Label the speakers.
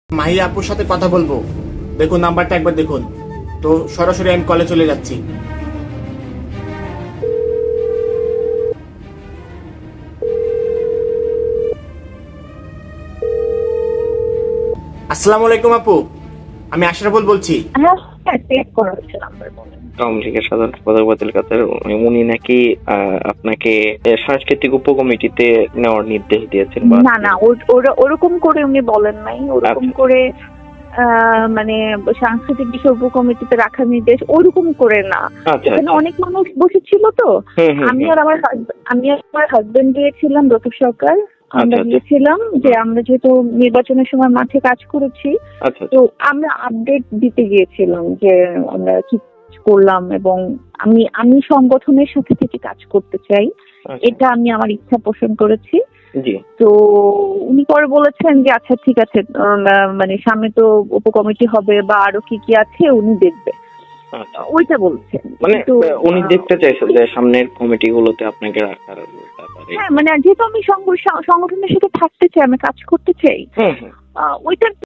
Speaker 1: মাহি আপুর সাথে কথা বলবো। দেখুন নাম্বারটা একবার দেখুন। তো সরাসরি আমি কলে চলে যাচ্ছি। আসসালামু আলাইকুম আপু, আমি আশরাফুল বলছি।
Speaker 2: হ্যাঁ চেক করা হচ্ছে নাম্বার বলেন।
Speaker 3: আওয়ামী লীগের সাধারণ সম্পাদক বাতিল কাদের উনি নাকি আপনাকে সাংস্কৃতিক উপকমিটিতে নেওয়ার নির্দেশ দিয়েছেন বা
Speaker 2: না না ওরকম করে উনি বলেন নাই, ওরকম
Speaker 3: আচ্ছা।
Speaker 2: করে মানে সাংস্কৃতিক বিষয় উপকমিটিতে রাখার নির্দেশ ওরকম করে না।
Speaker 3: আচ্ছা
Speaker 2: এখানে অনেক মানুষ বসেছিল তো, আমি আর আমার হাজবেন্ড গিয়েছিলাম, রফিক সরকার, আমরা
Speaker 3: আচ্ছা।
Speaker 2: গিয়েছিলাম যে আমরা যেহেতু নির্বাচনের সময় মাঠে কাজ করেছি,
Speaker 3: আচ্ছা
Speaker 2: তো আমরা আপডেট দিতে গিয়েছিলাম যে আমরা কি করলাম, এবং আমি সংগঠনের সাথে থেকে কাজ করতে চাই, এটা আমি আমার ইচ্ছা পোষণ করেছি।
Speaker 3: জি।
Speaker 2: তো উনি পরে বলেছেন যে আচ্ছা ঠিক আছে, মানে সামনে তো উপকমিটি হবে বা আরো কি কি আছে উনি দেখবে,
Speaker 3: আচ্ছা।
Speaker 2: ওইটা বলছেন।
Speaker 3: মানে
Speaker 2: কিন্তু
Speaker 3: উনি দেখতে চাইছেন যে সামনের কমিটি গুলোতে আপনাকে রাখার ব্যাপারে।
Speaker 2: হ্যাঁ মানে যেহেতু আমি সংগঠনের সাথে থাকতে চাই, আমি কাজ করতে চাই,
Speaker 3: হুম হুম।
Speaker 2: ওইটার